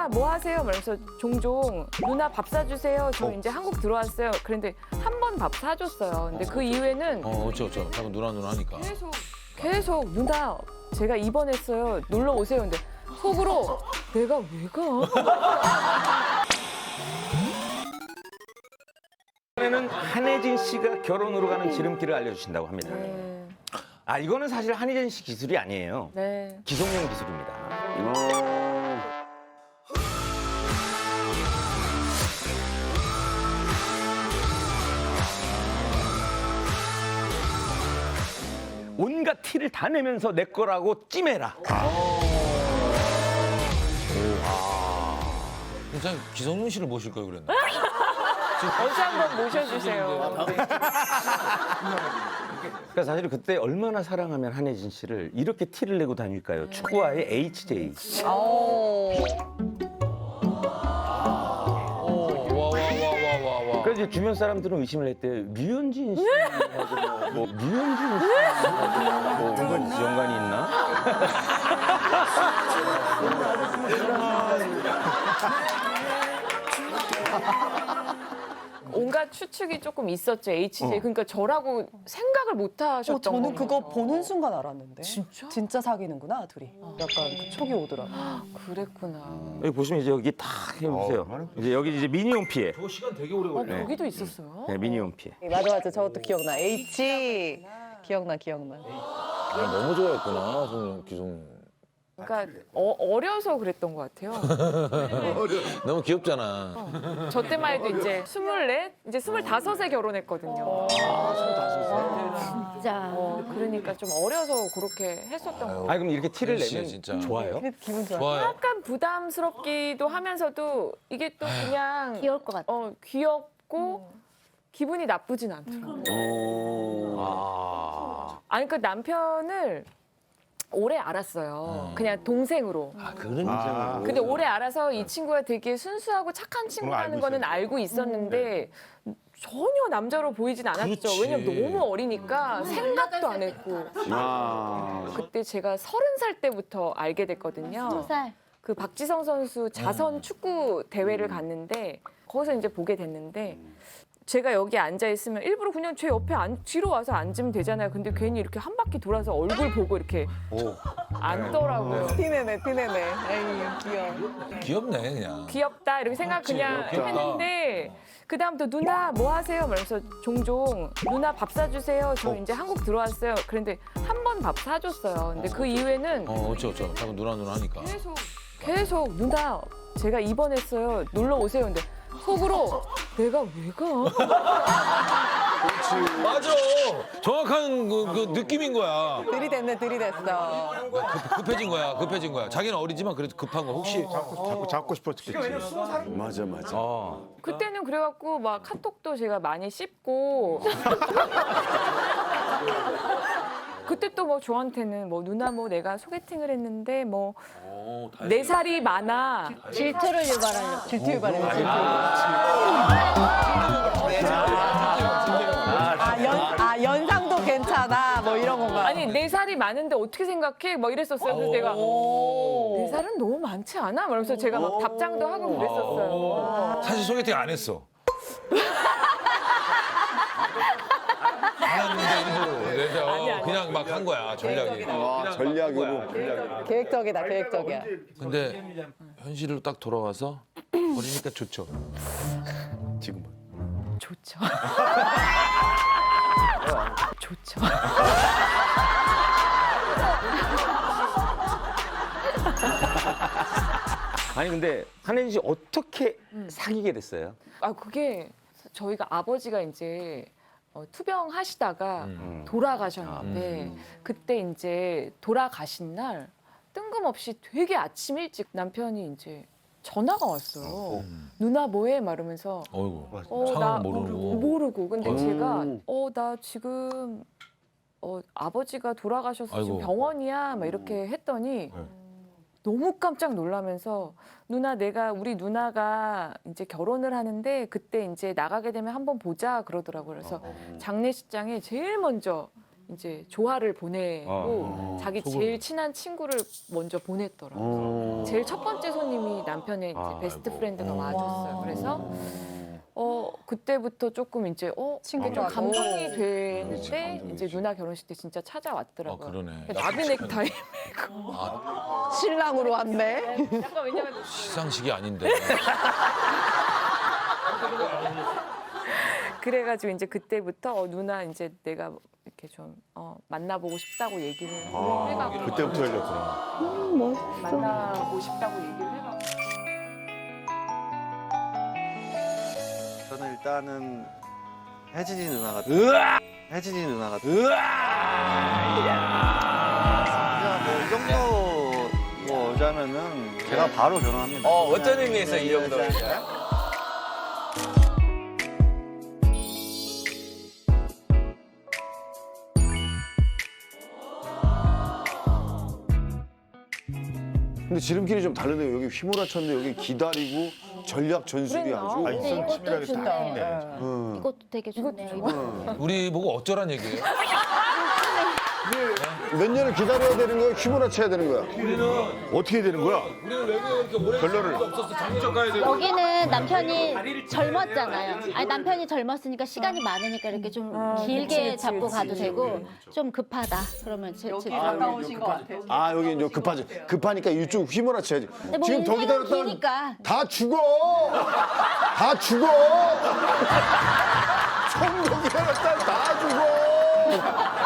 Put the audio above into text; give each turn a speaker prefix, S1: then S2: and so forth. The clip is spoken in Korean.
S1: 뭐 하세요? 그래서 종종 누나 밥 사주세요. 저 이제 한국 들어왔어요. 그런데 한 번 밥 사줬어요. 근데 그 이후에는
S2: 어쩌. 자꾸 누나 하니까.
S1: 계속 누나 제가 입원했어요. 놀러 오세요. 근데 속으로 내가 왜 가?
S3: 이번에는 한혜진 씨가 결혼으로 가는 지름길을 알려주신다고 합니다.
S1: 네.
S3: 아, 이거는 사실 한혜진 씨 기술이 아니에요.
S1: 네.
S3: 기성용 기술입니다. 온갖 티를 다 내면서 내 거라고 찜해라.
S2: 진짜 기성용 씨를 모실 걸 그랬나?
S1: 어서 한번 모셔주세요.
S3: 그러니까 사실 그때 얼마나 사랑하면 한혜진 씨를 이렇게 티를 내고 다닐까요? 축구와의 HJ.
S2: 와.
S3: 그래서 이제 주변 사람들은 의심을 했대요. 류현진 씨하고 뭐 류현진 씨하고 뭐 연관이 있나?
S1: 온갖 추측이 조금 있었죠, HJ. 그러니까 저라고 생각을 못 하셨던
S4: 저는 그거
S1: 거죠.
S4: 보는 순간 알았는데.
S1: 진짜?
S4: 진짜 사귀는구나, 둘이. 약간 그 촉이 오더라고.
S1: 그랬구나.
S3: 여기 보시면 이제 여기 딱 해보세요. 이제 여기 이제 미니홈 피해.
S2: 저 시간 되게 오래 걸려.
S1: 거기도 있었어요?
S3: 네, 미니홈 피해.
S4: 맞아. 저것도 기억나. H. 기억나.
S2: 너무 좋아했구나, 기성용.
S1: 그러니까 어려서 그랬던 것 같아요.
S2: 너무 귀엽잖아.
S1: 저 때만 해도 이제 24, 이제 25에 결혼했거든요.
S5: 진짜.
S1: 그러니까 좀 어려서 그렇게 했었던 것 같아요.
S3: 아니 그럼 이렇게 티를
S2: 혜진 씨,
S3: 내면
S2: 진짜.
S3: 좋아요?
S4: 기분 좋아.
S2: 좋아요.
S1: 약간 부담스럽기도 하면서도 이게 또 그냥
S5: 귀여울 것 같아.
S1: 귀엽고 기분이 나쁘진 않더라고요. 아니 그 남편을 오래 알았어요. 그냥 동생으로.
S3: 그런 인상으로.
S1: 근데 오래 알아서 이 친구가 되게 순수하고 착한 친구라는 거는 알고 있었는데 전혀 남자로 보이진 않았죠.
S2: 그렇지.
S1: 왜냐면 너무 어리니까 생각도 안 했고. 그때 제가 30살 때부터 알게 됐거든요.
S5: 20살.
S1: 그 박지성 선수 자선 축구 대회를 갔는데 거기서 이제 보게 됐는데 제가 여기 앉아 있으면 일부러 그냥 제 옆에 뒤로 와서 앉으면 되잖아요. 근데 괜히 이렇게 한 바퀴 돌아서 얼굴 보고 이렇게 앉더라고요.
S4: 티내네. 에이, 귀여워.
S2: 귀엽네, 그냥.
S1: 귀엽다 이렇게 생각 그냥
S2: 귀엽다.
S1: 했는데 그 다음부터 누나 뭐 하세요? 그래서 종종 누나 밥 사주세요. 저 이제 한국 들어왔어요. 그런데 한 번 밥 사줬어요. 근데 그 이후에는
S2: 어쩌. 자꾸 누나 하니까.
S1: 계속 누나 제가 입원했어요. 놀러 오세요. 근데 속으로 내가 왜 가?
S2: 맞아. 정확한 그 느낌인 거야.
S4: 들이댔어.
S2: 급해진 거야. 자기는 어리지만 그래도 급한 거. 혹시
S6: 자꾸 잡고 싶었겠지. 맞아.
S1: 그때는 그래갖고 막 카톡도 제가 많이 씹고 그때 또 뭐 저한테는 뭐 누나 뭐 내가 소개팅을 했는데 뭐 4살이 많아.
S5: 질투를 유발하려고.
S4: 질투 유발해. 연상도 괜찮아. 뭐 이런 건가.
S1: 아니 4살이 많은데 어떻게 생각해? 막 이랬었어요. 그래서 내가 4살은 너무 많지 않아? 그러면서 제가 막 답장도 하고 그랬었어요.
S2: 사실 소개팅 안 했어. 안 했는데 일부러. 그래서 그냥 막 한 거야, 전략이.
S6: 전략으로.
S4: 계획적이야.
S2: 근데 현실로 딱 돌아와서 어리니까 좋죠.
S6: 지금.
S1: 좋죠. 좋죠.
S3: 아니 근데 한혜진 씨 어떻게 사귀게 됐어요?
S1: 아 그게 저희가 아버지가 이제 투병하시다가 돌아가셨는데 그때 이제 돌아가신 날 뜬금없이 되게 아침 일찍 남편이 이제 전화가 왔어요. 누나 뭐해? 말하면서
S2: 어이구.
S1: 나
S2: 상황 모르고.
S1: 모르고. 근데 제가 나 지금 아버지가 돌아가셔서 지금
S2: 아이고.
S1: 병원이야. 막 이렇게 했더니 너무 깜짝 놀라면서 우리 누나가 이제 결혼을 하는데 그때 이제 나가게 되면 한번 보자 그러더라고요. 그래서 장례식장에 제일 먼저 이제 조화를 보내고 자기 제일 친한 친구를 먼저 보냈더라고요. 제일 첫 번째 손님이 남편의 이제 베스트 프렌드가 와줬어요. 그래서 그때부터 조금 이제
S4: 친구가
S1: 좀 감동이
S6: 그렇지,
S1: 되는데
S6: 감동이지.
S1: 이제 누나 결혼식 때 진짜 찾아왔더라고요.
S2: 그러네.
S1: 나비 넥타이.
S4: 신랑으로 왔네.
S1: 약간 왜냐면
S2: 시상식이 아닌데.
S1: 그래가지고 이제 그때부터 누나 이제 내가 이렇게 좀 만나보고 싶다고 얘기를 해가지고
S6: 그때부터 열렸구나.
S1: 만나고 싶다고 얘기를 해가지고
S5: 저는 일단은 혜진이 누나가 혜진이 누나가 뭐이 정도 뭐 오자면은 제가 바로 결혼합니다.
S7: 어떤 의미에서 이 정도?
S6: 근데 지름길이 좀 다르네요. 여기 휘몰아쳤는데 여기 기다리고 전략 전술이 아주.
S8: 근데 이것도 좋네요.
S6: 응.
S8: 이것도 되게 좋네요. 이거.
S2: 우리 보고 어쩌란 얘기예요?
S6: 몇 년을 기다려야 되는 거야? 휘몰아쳐야 되는 거야? 어떻게 되는 거야? 결론을.
S8: 여기는 남편이 젊었잖아요. 아니 남편이 젊었으니까 시간이 많으니까 이렇게 좀 길게 잡고 가도 되고 좀 급하다. 그러면
S4: 가까우신 것 같아.
S6: 아 여기 이제 급하니까 이쪽 휘몰아쳐야지.
S8: 근데 뭐
S6: 지금 더
S8: 인생은
S6: 기다렸다.
S8: 기니까.
S6: 다 죽어. 다 죽어. 좀더 기다렸다 다 죽어.